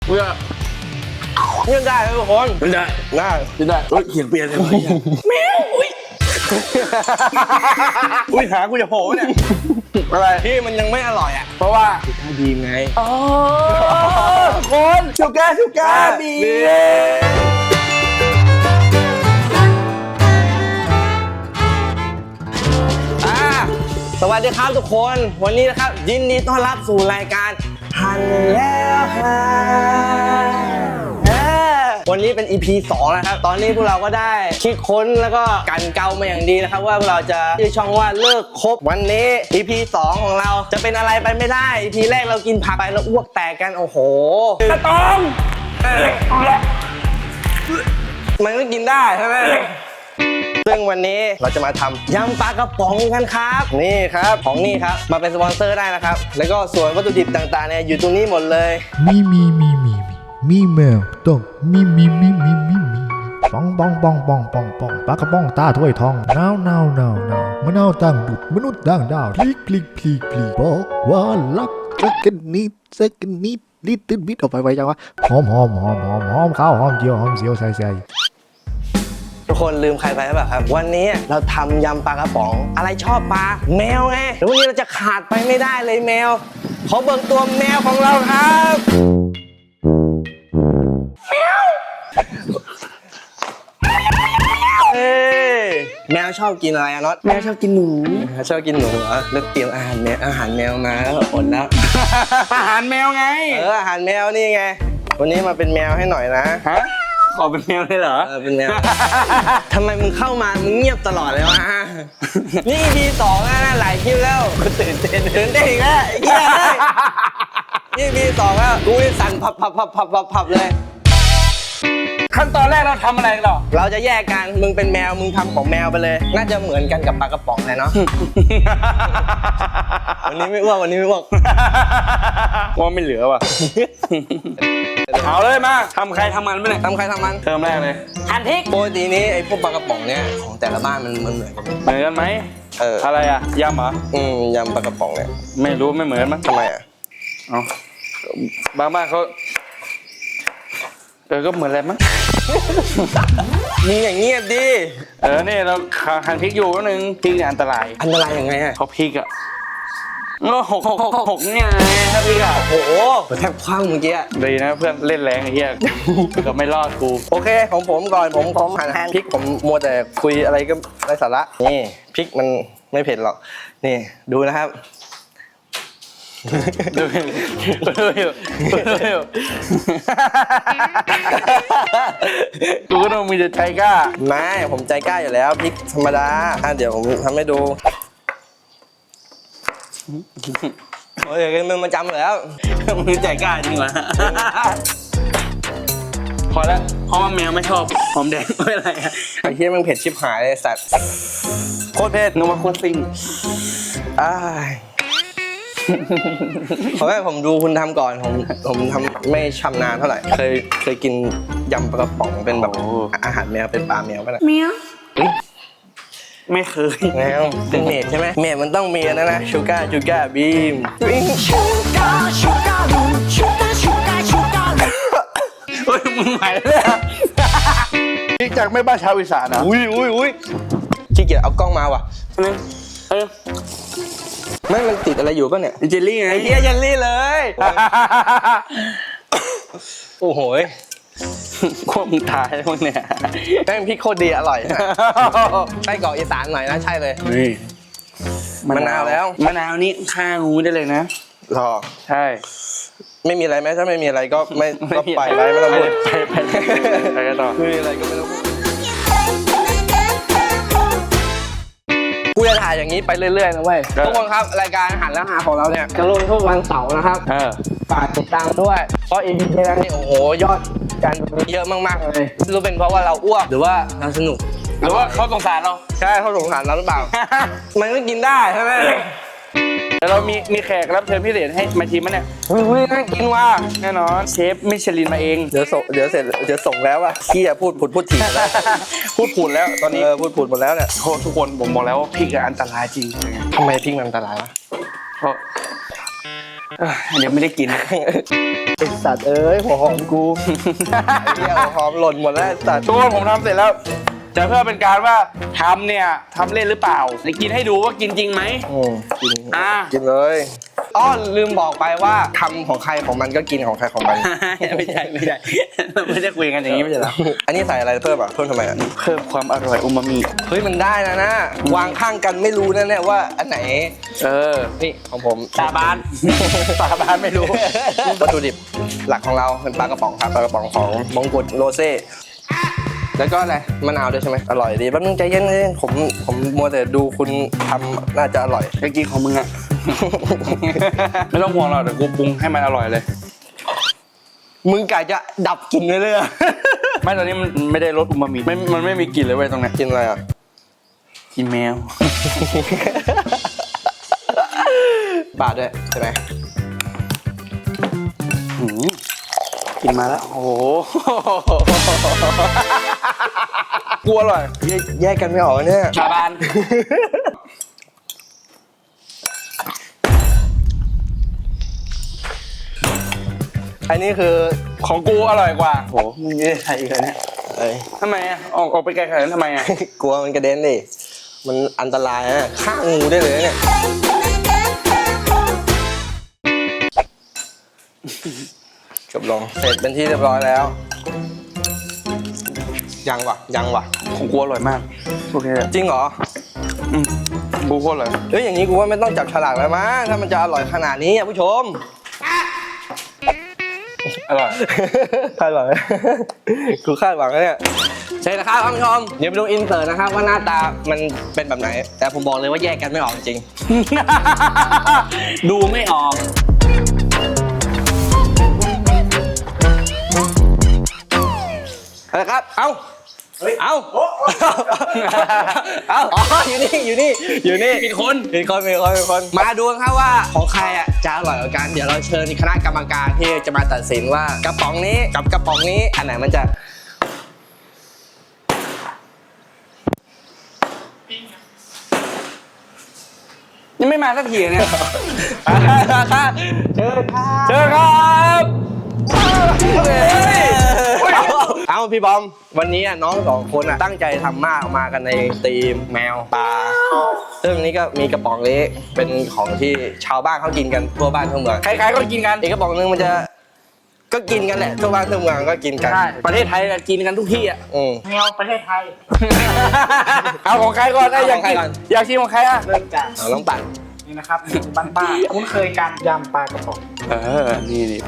เพื่อเล่นได้ทุกคนได้เสียงเปลี่ยนเลยแมวอุ้ยหากูจะโผล่เนี่ยอะไรที่มันยังไม่อร่อยอ่ะเพราะว่าถ้าดีไงอ๋อคนชูก้าบีสวัสดีครับทุกคนวันนี้นะครับยินดีต้อนรับสู่รายการหันแล้วฮะวันนี้เป็น EP 2นะครับตอนนี้พวกเราก็ได้คิดค้นแล้วก็กันเกามาอย่างดีนะครับว่าพวกเราจะชื่อช่องว่าเลิกคบวันนี้ EP 2ของเราจะเป็นอะไรไปไม่ได้ EP แรกเรากินผักไปแล้วอ้วกแตกกันโอ้โหกระตองมันก็กินได้ใช่ไหมซึ่งวันนี้เราจะมาทำยำปลากระป๋องกันครับนี่ครับของนี่ครับมาเป็นสปอนเซอร์ได้นะครับแล้วก็ส่วนวัตถุดิบต่างๆเนี่ยอยู่ตรงนี้หมดเลยมีแมวต้องมีปองปลากระป๋องตาถ้วยทองนาวมะนาวตั้งดุดมนุษย์ต่างดาวพลีบอกว่ารักสักนิดลิตรบิดออกไปไวจังวะหอมข้าวหอมเจียวหอมเสียวใส่ทุกคนลืมใครไปหรือเปล่าครับวันนี้เราทำยำปลากระป๋องอะไรชอบปลาแมวไงแล้ววันนี้เราจะขาดไปไม่ได้เลยแมวขอเบิกตัวแมวของเราครับแมวชอบกินอะไรอะน็อตแมวชอบกินหนูชอบกินหนูเหรอแล้วเตรียมอาหารแมวมาแล้วอดแล้วอาหารแมวไงอาหารแมวนี่ไงวันนี้มาเป็นแมวให้หน่อยนะฮะขอเป็นแมวเลยเหรอเป็นแมวทำไมมึงเข้ามามึงเงียบตลอดเลยวะนี่ EP 2แล้วนะหลายคลิปแล้วตื่นเต้นอีกแล้วเฮียนี่ EP 2แล้วกูสั่นพับเลยขั้นตอนแรกเราทำอะไรกันหรอเราจะแยกกันมึงเป็นแมวมึงทำของแมวไปเลยน่าจะเหมือนกันกับปลากระป๋องเลยเนาะวันนี้ไม่อ้วกว่าไม่เหลือว่ะเอาเลยมาทำใครทำมันไม่เนี่ยทำใครทำมันเติมแรกเลยหั่นพริกปกตินี้ไอ้พวกปลากระป๋องเนี่ยของแต่ละบ้านมันเหมือนกันไหมอะไรอะยำเหรอยำปลากระป๋องเนี่ยไม่รู้ไม่เหมือนมั้งทำไมอะบางบ้านเขาก็เหมือนอะไรมั้งมึงอย่างเงียบดินี่เราหั่นพริกอยู่นึงพริกเนี่ยอันตรายยังไงอะเขาพริกอะหกเนี่ยถ้าพริกอะโอ้โหแทบคว้างเมื่อกี้ดีนะเพื่อนเล่นแรงไอ้เหี้ยก็ไม่รอดกูโอเคของผมก่อนผมหั่นพริกผมมัวแต่คุยอะไรก็ไร้สาระนี่พริกมันไม่เผ็ดหรอกนี่ดูนะครับดูกูก็ต้องมีใจกล้าไม่ผมใจกล้าอยู่แล้วพริกธรรมดาเดี๋ยวผมทำให้ดูโอ้ยมึงมาจำแล้วมึงใจกล้าจริงเหรอพอแล้วเพราะว่าแมวไม่ชอบหอมแดงไม่อะไรไอ้เหี้ยมึงเผ็ดชิบหายเลยสัตว์โคตรเผ็ดนึกว่าโคตรซิ่งเพราะว่าผมดูคุณทำก่อนผมทำไม่ชำนาญเท่าไหร่เคยกินยำปลากระป๋องเป็นแบบอาหารแมวเป็นปลาแมวป่ะนะแมวไม่เคยแมวเป็นเมดใช่ไหมเมดมันต้องมีนะชูก้าบีมเฮ้ยมึงหายเลยนี่จากไม่บ้านชาวอีสานนะอุ้ยขี้เกียจเอากล้องมาว่ะมันติดอะไรอยู่ป่ะเนี่ยเจลลี่ไงไอ้เหี้ยเจลลี่เลยโอ้โหพวกมึงตายพวกเนี่ยแม่งพริกโคตรดีอร่อยไส้กรอกอีสานหน่อยนะใช่เลยมะนาวแล้วมะนาวนี่ฆ่างูได้เลยนะหรอใช่ไม่มีอะไรไหมถ้าไม่มีอะไรก็ไม่ต้องไปไรไม่ต้องพูดไปกันต่อคืออะไรก็ไม่ต้องพูดกูจะถ่ายอย่างนี้ไปเรื่อยๆนะเว้ยทุกคนครับรายการหันแล้วหาของเราเนี่ยจะลงทุกวันเสาร์นะครับฝากติดตามด้วยเพราะ EP นี้นี่โอ้โหยอดการดูเยอะมากๆเลยรู้เป็นเพราะว่าเราอ้วกหรือว่าเราสนุกหรือว่าเขาสงสารเราใช่เขาสงสารเราหรือเปล่ามันก็กินได้ใช่ไหมแต่เรามีแขกรับเชิญพิเศษให้มาชิมมั้ยเนี่ยน่ากินว่ะแน่นอนเชฟมิชลินมาเองเดี๋ยวส่งแล้วอ่ะเคี้ยพูดถี่แล้วพูดแล้วตอนนี้พูดหมดแล้วเนี่ยทุกคนผมบอกแล้วว่าพริกอันตรายจริงทำไมพริกมันอันตรายวะเพราะเดี๋ยวไม่ได้กินไอสัตว์เอ้ยหัวหอมกูไอ้เหี้ยหัวหอมหล่นหมดแล้วไอ้สัตว์ทุกคนผมทำเสร็จแล้ว จะเพื่อเป็นการว่าทำเนี่ยทำเล่นหรือเปล่าจะกินให้ดูว่ากินจริงไหมกินกินเลยอ้อลืมบอกไปว่าทำของใครของมันก็กินของใครของมันไม่ใช่ไม่ได้คุยกันอย่างนี้ไม่ใช่หรออันนี้ใส่อะไรเพิ่มอ่ะเพิ่มทำไมอ่ะเพิ่มความอร่อยอูมามิเฮ้ยมันได้นะวางข้างกันไม่รู้แน่ๆว่าอันไหน นี่ของผมสาบานสาบานไม่รู้วัตถุดิบหลักของเราเป็นปลากระป๋องครับปลากระป๋องของมงกุฎโรเซ่แล้วก็อะไรมะนาวด้วยใช่ไหมอร่อยดีแป๊บนึงใจเย็นเลยผมมัวแต่ดูคุณทำน่าจะอร่อยไปกินของมึงอะ ไม่ต้องห่วงหรอกเดี๋ยวกูปรุงให้มันอร่อยเลยมึงกะจะดับกลิ่นเลยอะไม่ตอนนี้มันไม่ได้รสอูมามิมันไม่มีกลิ่นเลยเว้ยตรงเนี้ยกินอะไรอ่ะกินแมวปาดด้วยใช่ไหมกินมาแล้วโอ้โห กลัวอร่อยแยกกันไม่ออกเนี่ยสาบานอันนี้คือของกูอร่อยกว่าโหมึงจะใส่อีกแล้วเนี่ยเอ้ยทำไมอะออกไปไกลขนาดนั้นทำไมอะกลัวมันกระเด็นดิมันอันตรายนะฆ่างูได้เลยเนี่ยจบลงเสร็จเป็นที่เรียบร้อยแล้วยังวะของกูอร่อยมากโอเคจริงเหรอกูโคตรเลยเฮ้ยอย่างนี้กูว่าไม่ต้องจับฉลากแล้วมั้งถ้ามันจะอร่อยขนาดนี้อ่ะผู้ชมอร่อยคาดหวัง กูคาดหวังแล้วเนี่ยใช่นะครับท่านผู้ชมเดี๋ยวไปดูอินเสิร์ตนะครับว่าหน้าตามันเป็นแบบไหน แต่ผมบอกเลยว่าแยกกันไม่ออกจริงดูไม่ออกอะไรครับ เอาเอาเอาอ๋ออยู่นี่ผิดคนเป็นคน มาดูกันครับว่าของใครอ่ะจะอร่อยกว่ากัน เดี๋ยวเราเชิญคณะกรรมการที่จะมาตัดสินว่ากระป๋องนี้กับกระป๋องนี้อันไหนมันจะยังไม่มาสักทีเนี่ยเชิญครับเจอครับเอาพี่บอมวันนี้น้องสองคนตั้งใจทำมากมากันในธีมแมวปลาซึ่งนี้ก็มีกระป๋องเล็กเป็นของที่ชาวบ้านเขากินกันทั่วบ้านทั่วเมืองใครๆก็กินกันอีกกระป๋องนึงมันจะก็กินกันแหละทั่วบ้านทั่วเมืองก็กินกันใช่ประเทศไทยกินกันทุกที่อ่ะแมวประเทศไทยเอาของใครก่อนเอาอยากของใครกินก่อนอยากชิมของใครอ่ะเริ่มจากเอาน้องปั่นนี่นะครับเมนูบ้านป้าคุ้นเคยกันยำปลากระป๋องนี่ดิ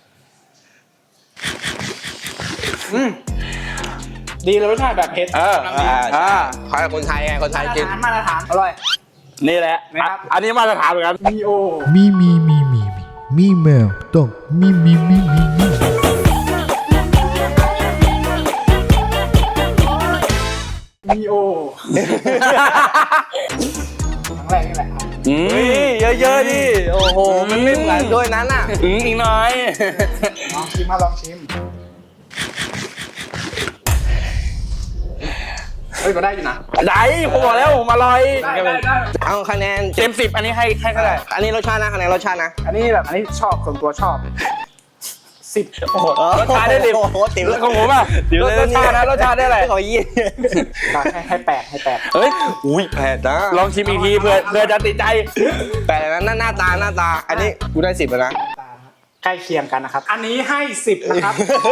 ดีเลยรสชาติแบบเผ็ดกำลังดีใครคนไทยไงคนไทยกินมาตรฐานอร่อยนี่แหละนะครับอันนี้มาตรฐานเหมือนกันมีโอมีแมวต้องมีมีโอครั้งแรกนี่แหละครับเฮ้ยเยอะๆดิโอ้โหมันไม่เหมือนด้วยนั้นอ่ะอีกหน่อยลองชิมมาลองชิมเฮ้ยก็ได้อยู่นะได้ผมบอกแล้วผมอร่อยได้เอาคะแนนเต็ม10อันนี้ให้เท่าไหร่อันนี้รสชาตินะคะแนนรสชาตินะอันนี้ชอบส่วนตัวชอบ10 โอ้โหรสชาติได้10 โอ้โหติ๋วของผมอ่ะรสชาตินะรสชาติได้อะไรขอยี่ให้8ให้8 เฮ้ยอุ้ยแผดนะลองชิมอีกทีเพื่อจะติดใจแต่นั้นหน้าตาอันนี้กูได้10แล้วนะใกล้เคียงกันนะครับ อันนี้ให้10นะครับ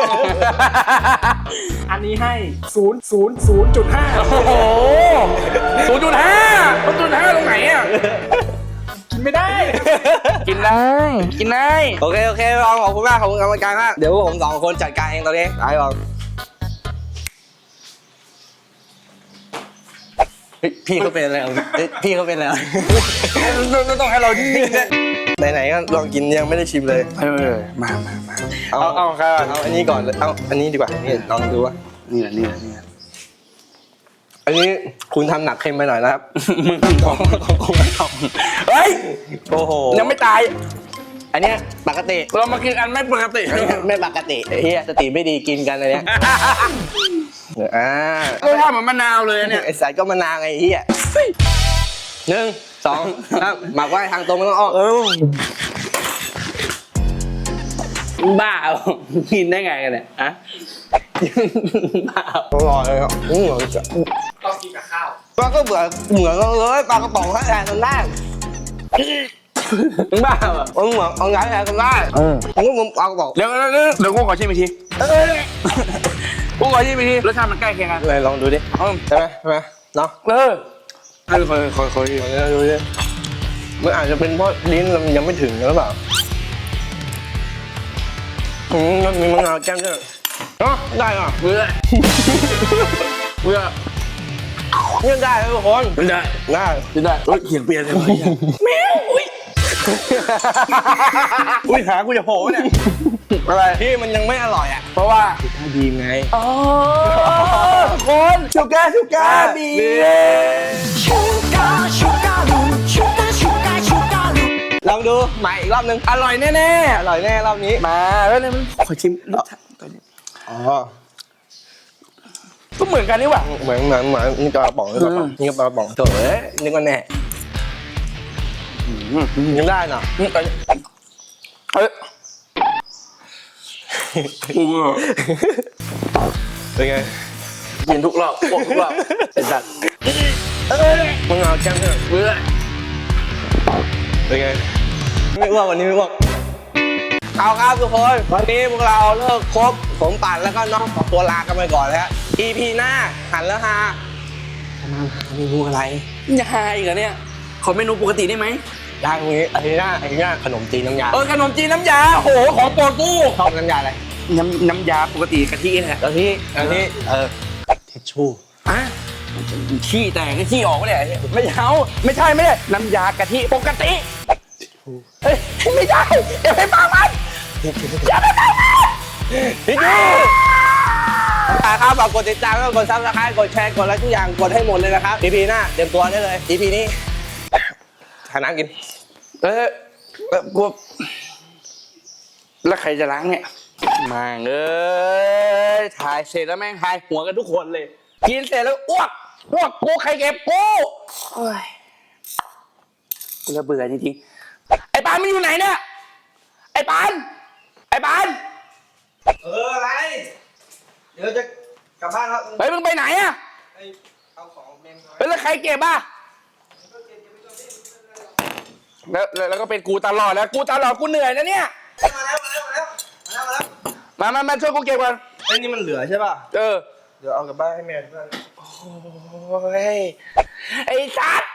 อันนี้ให้0.5 โอ้โห0.5ตรงไหนอ่ะกินไม่ได้กินได้โอเคลองขอบคุณมากขอบคุณกรรมการมากเดี๋ยวพวกผม2คนจัดการเองตอนนี้ไปลองพี่เขาเป็นอะไรพี่เขาเป็นอะไรต้องให้เรานิ่งๆนะไหนๆก็ลองกินยังไม่ได้ชิมเลยมาเอาใครก่อนเอาอันนี้ก่อนเลยเอาอันนี้ดีกว่านี่ลองดูว่านี่แหละอันนี้คุณทำหนักเค็มไปหน่อยนะครับมึงของเฮ้ยโอ้โหยังไม่ตายอันเนี้ยปกติเรามากินอันไม่ปกติไม่ปกติเฮียสติไม่ดีกินกันอะไรเนี้ยรสชาติเหมือนมะนาวเลยเนี่ยไอสายก็มานาวไงเฮีย1 2 3หมักไว้ทางตรงไม่ต้องอ้อมบ้ากินได้ไงกันเนี่ยอะบ้าอร่อยเลยอ่ะเหมือนจะต้องกินกับข้าวปลาก็เหมือนกันเลยปลากระป๋องให้แทนกันได้บ้าเหรอเหมือนเอาไงแทนกันได้มึงปลากระป๋องเดี๋ยวกูขอชิมอีกทีกูขอชิมอีกทีรสชาติมันใกล้เคียงกันไหนลองดูดิใช่ไหมเนาะคอยลองดูดิมันอาจจะเป็นเพราะลิ้นเรายังไม่ถึงหรือเปล่ามันมีมะนาวแก้มด้วยได้อ่ะเบื่อเนี่ยได้ทุกคนไม่ได้ได้เขียนเปลี่ยนเลยแมวอุ้ยหากูจะโผล่เนี่ยอะไรที่มันยังไม่อร่อยอ่ะเพราะว่าดีไงอ๋อทุกคนชูการ์บีลองดูใหม่อีกรอบนึงอร่อยแน่อร่อยแน่รอบนี้ๆมาแล้วเนี่ยมันขอชิมรสชาติตัวนี้อ๋อก็เหมือนกันนี่หว่าเหมือนนี่กระป๋องนี่กระป๋องนี่กระป๋องโถ่เอ้ยนึกว่าแน่ยังได้น่ะเฮ้ยกูเป็นไงกินทุกรอบอ้วกทุกรอบไอ้สัตว์มะนาวแก้มด้วยเบื่อเป็นไงไม่อ้วกวันนี้ไม่อ้วกเอาครับทุกคนวันนี้พวกเราเลิกครบผมปั่นแล้วก็น้องขอตัวลากันไปก่อนแล้ว EP หน้าหันแล้วฮาจะมาเมนูอะไรจะหายอีกเหรอเนี่ยขอเมนูปกติได้ไหมได้ตรงนี้ไอ้หน้าขนมจีนน้ำยาขนมจีนน้ำยาโอ้โหของโปรดกูชอบน้ำยาอะไรน้ำยาปกติกะทิแหละกะทิทิชชู่อ่ะขี้แตกขี้ออกไม่ได้ไม่เอาไม่ใช่น้ำยากะทิปกติเฮ้ยไม่ใช่อย่าไปฟังมันอย่าไปฟังมันทิชชู่ครับฝากกดติดตามแล้วกดซับสไครต์กดแชร์กดอะไรทุกอย่างกดให้หมดเลยนะครับ EP หน้าเตรียมตัวได้เลย EP นี้หาน้ำกินกูแล้วใครจะล้างเนี่ยมาเอ้ยถ่ายเสร็จแล้วแม่งถ่ายหัวกันทุกคนเลยกินเสร็จแล้วอ้วกกูใครเก็บกูโอ้ยกูระเบื่อจริงๆไอ้ปานมันอยู่ไหนเนี่ยไอ้ปานอะไรเดี๋ยวจะกลับบ้านครับเฮ้ยมึงไปไหนอะเอาของเมมเฮ้ยแล้วใครเก็บอะแล้วก็เป็นกูตลอดแล้วกูเหนื่อยนะเนี่ยมาแล้วมาช่วยกูเก็บก่อนไอ้นี่มันเหลือใช่ป่ะเออเดี๋ยวเอากลับบ้านให้แม่ด้วยโอ้ยไอ้สัตว์